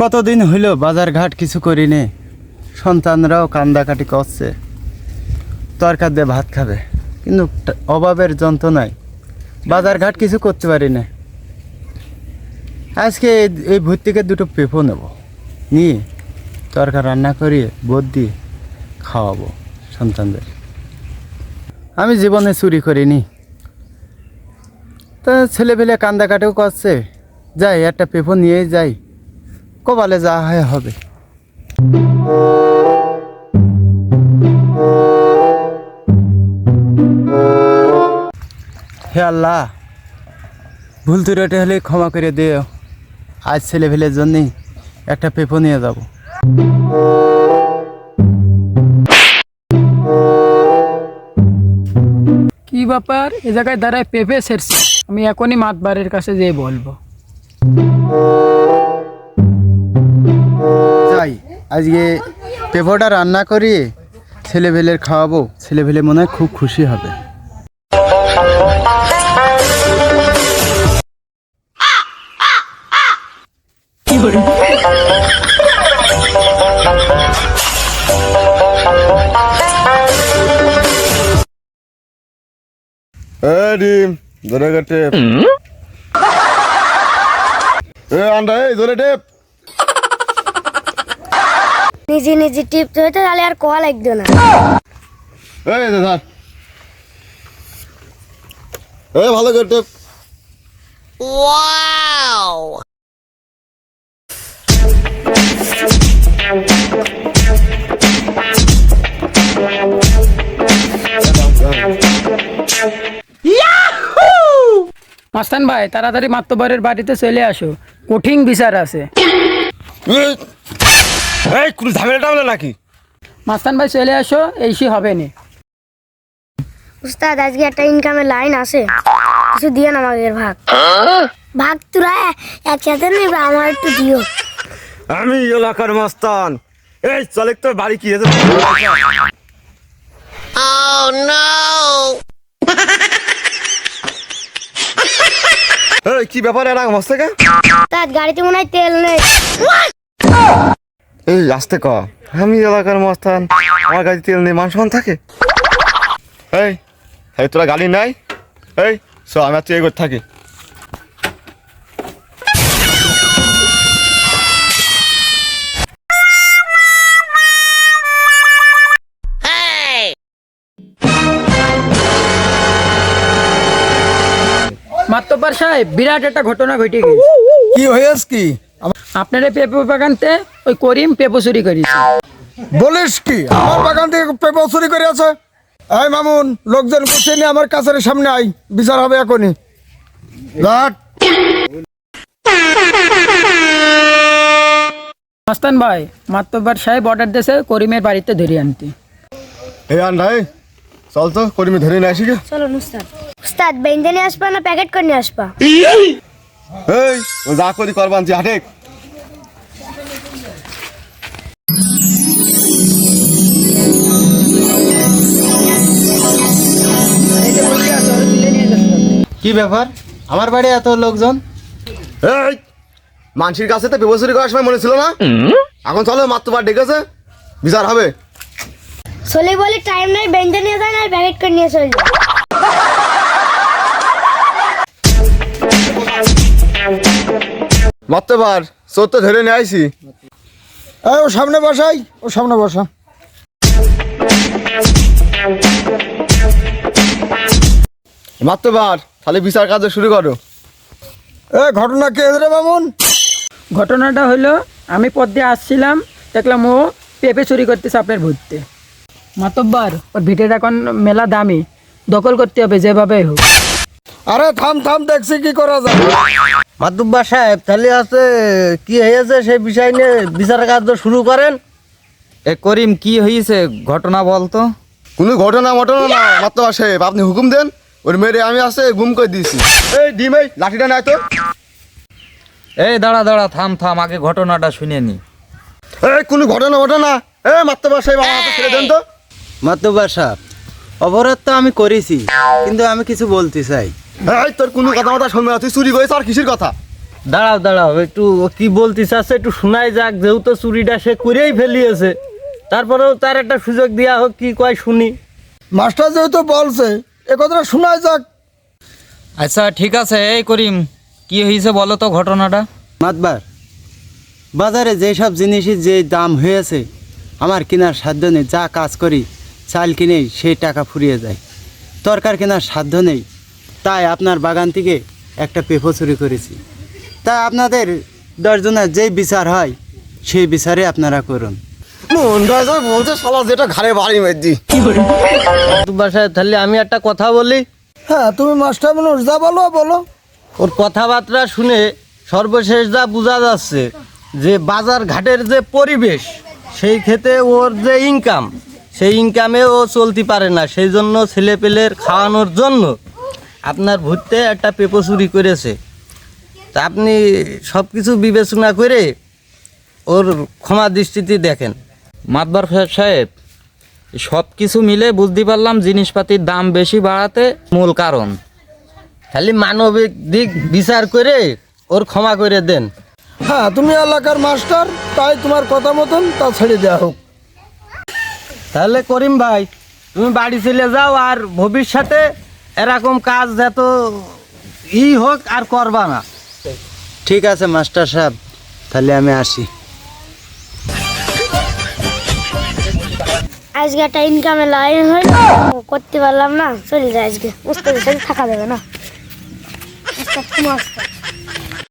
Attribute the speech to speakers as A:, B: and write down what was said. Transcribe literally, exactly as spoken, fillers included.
A: কতদিন হইল বাজার ঘাট কিছু করি নে, সন্তানরাও কান্দাকাটি করছে, তরকার দিয়ে ভাত খাবে, কিন্তু অভাবের যন্ত্রণায় বাজার ঘাট কিছু করতে পারি না। আজকে এই ভোর থেকে দুটো পেঁপো নেব, নিয়ে তরকার রান্না করিয়ে বোধ দিয়ে খাওয়াবো সন্তানদের। আমি জীবনে চুরি করিনি, তা ছেলেপেলে কান্দাকাটিও করছে, যাই একটা পেঁপো নিয়ে যাই, কপালে যা হয় হবে। হে আল্লাহ, ভুল ত্রুটি হলে ক্ষমা করে দিও। আজ ছেলেপেলের জন্যই একটা পেঁপো নিয়ে যাব।
B: কি ব্যাপার, এ জায়গায় দাঁড়ায় পেঁপে সেরছে? আমি এখনই মাতবারের কাছে যেয়ে বলবো।
A: যাই, আজকে পেঁপোটা রান্না করিয়ে ছেলেপেলের খাওয়াবো, ছেলেপেলে মনে হয় খুব খুশি হবে।
C: ডিম ধরে টেপ আন্ডা এই ধরে টেপ
D: নিজে নিজে টিপতে হইতো, তাহলে আর কোয়া লাগতো না।
C: এই ধর এই ভালো করে টেপ।
D: ওয়াও,
B: মাস্তান ভাই, তাড়াতাড়ি মাতবারের বাড়িতে চলে আসো, কঠিন বিচার আছে।
C: এই কোন ঝামেলা টামেলা নাকি?
B: মাস্তান ভাই চলে আসো, এইসি হবে না।
D: উস্তাদ আজকে একটা ইনকামের লাইন আছে, কিছু দিয়ে না আমাকে ভাগ। ভাগ তোরা একসাথে নেবে, আমার একটু দিও।
C: আমি এলাকার মাস্তান, এই চলে তো বাড়ি কি আছে?
D: Oh no!
C: এই কি ব্যাপার এরকম হচ্ছে কে?
D: উস্তাদ গাড়িতে মনে হয় তেল নেই।
C: এই আসতে ক, আমি এলাকার মাস্তান, আমার গাড়ি তেল নেই, মান সম্মান থাকে? এই এই তোরা গাড়ি নাই? এই চ আমি আর তুই এগোতে থাকি।
B: মাতব্বর সাহেব, বিরাট একটা ঘটনা ঘটে গেছে।
E: কি হয়েছে কি?
B: আপনার এই পেঁপে বাগানতে ওই করিম পেঁপো চুরি করেছে।
E: বলিস কি? আমার বাগান থেকে পেঁপে চুরি করে আছে? এই মামুন, লোকজন বসে নিয়ে আমার কাছের সামনে আই, বিচার হবে এখনই। লাট
B: মাস্তান ভাই, মাতব্বর সাহেব অর্ডার দিয়েছে করিমের বাড়িতে ধরে আনতে।
C: এই আন্ডা এই চল তো করিমি ধরে নিয়ে আসি গে।
D: চলো উস্তাদ। উস্তাদ বেঁধে নিয়ে আসবা না প্যাকেট করে নিয়ে আসবা?
C: এই ও যা করি করবান যে হাটেক।
A: কি ব্যাপার, আমার বাড়ি এত লোকজন?
C: এই মানসির কাছে তো বেবসুরি করার সময় মনে ছিল না? এখন চলো মাত্রবার ডেকেছে, বিচার হবে।
D: চলে বলে টাইম নাই, বেঁধে নিয়ে যায় না, প্যাকেট করে নিয়ে চলে যায়।
C: মাত্রবার চোর তো ধরে নিয়ে আইসি।
E: এই ও সামনে বসাই, ও সামনে বসা।
C: মাত্রবার তাহলে বিচার কাজ শুরু করো।
E: এ ঘটনা কে রে মামুন?
B: ঘটনাটা হলো, আমি পথ দিয়ে আসছিলাম, দেখলাম ও পেঁপে চুরি করতেছে আপনার ভূততে। মাতব্বর, ওর ভিটেটা এখন মেলা দামি, দখল করতে হবে যেভাবে হোক।
E: আরে থাম থাম, দেখছি কি করা যায়।
A: মাতুব্বা সাহেব, তাহলে আছে কি হয়েছে সেই বিষয় নিয়ে বিচার কার্য শুরু করেন। এ করিম, কি হয়েছে ঘটনা বলতো?
C: কোনো ঘটনা মটনা না মাত্রবার সাহেব, আপনি হুকুম দেন, ওর মেরে আমি আসে গুম করে দিয়েছি। এই ডিম এই লাঠিটা নাই তো?
F: এই দাঁড়া দাঁড়া, থাম থাম, আগে ঘটনাটা শুনে নি।
C: এই কোনো ঘটনা ঘটনা, এ মাত্রবার সাহেব আমার হাতে ছেড়ে দেন তো।
A: মাতুব্বা সাহেব, অপরাধ তো আমি করেছি, কিন্তু আমি কিছু বলতে চাই।
C: এই তোর কোনো কথা মাথা শুনবে না, তুই চুরি করেছ আর কিসের কথা?
G: দাঁড়াও দাঁড়াও একটু ও কি বলতে চাচ্ছে একটু শোনাই যাক, যেহেতু চুরিটা সে করেই ফেলিয়েছে, তারপরেও তার একটা সুযোগ দেওয়া হোক, কি কয় শুনি।
E: মাস্টার যেহেতু বলছে এ কথাটা শোনায় যাক।
F: আচ্ছা ঠিক আছে, এই করিম কি হয়েছে বলো তো ঘটনাটা।
A: মাতবার, বাজারে যেসব জিনিসের যে দাম হয়েছে আমার কেনার সাধ্য নেই। যা কাজ করি চাল কিনেই সেই টাকা ফুরিয়ে যায়, তরকার কেনার সাধ্য নেই। তাই আপনার বাগান থেকে একটা পেঁপো চুরি করেছি। তাই আপনাদের দশজনের যেই বিচার হয় সেই বিচারে আপনারা করুন।
C: মনটা যা বলছে শালা যেটা ঘাড়ে বাড়ি মেদি।
G: বাসায় তাহলে আমি একটা কথা বলি।
E: হ্যাঁ তুমি মাস্টার মানুষ, যা বলো বলো।
G: ওর কথাবার্তা শুনে সর্বশেষ যা বোঝা যাচ্ছে যে বাজার ঘাটের যে পরিবেশ, সেই ক্ষেত্রে ওর যে ইনকাম, সেই ইনকামে ও চলতে পারে না। সেই জন্য ছেলেপেলের খাওয়ানোর জন্য আপনার ভূতে একটা পেঁপো চুরি করেছে। তা আপনি সব কিছু বিবেচনা করে ওর ক্ষমা দৃষ্টিতে দেখেন।
F: মাতবার সাহেব, সব কিছু মিলে বুঝতে পারলাম জিনিসপাতির দাম বেশি বাড়াতে মূল কারণ।
G: খালি মানবিক দিক বিচার করে ওর ক্ষমা করে দেন।
E: হ্যাঁ তুমি এলাকার মাস্টার, তাই তোমার কথা মতন তা ছেড়ে দেওয়া হোক।
G: তাহলে করিম ভাই, তুমি বাড়ি চলে যাও, আর ভবিষ্যতে এরকম কাজ যত ই হোক আর করবা না।
A: ঠিক আছে মাস্টার সাহেব, তাহলে আমি আসি।
D: আজকে একটা ইনকামে লাইন হইল, করতে পারলাম না, চলে যায় আজকে। উস্তাদের সাথে থাকা যাবে না। উস্তাদ খুব মস্ত।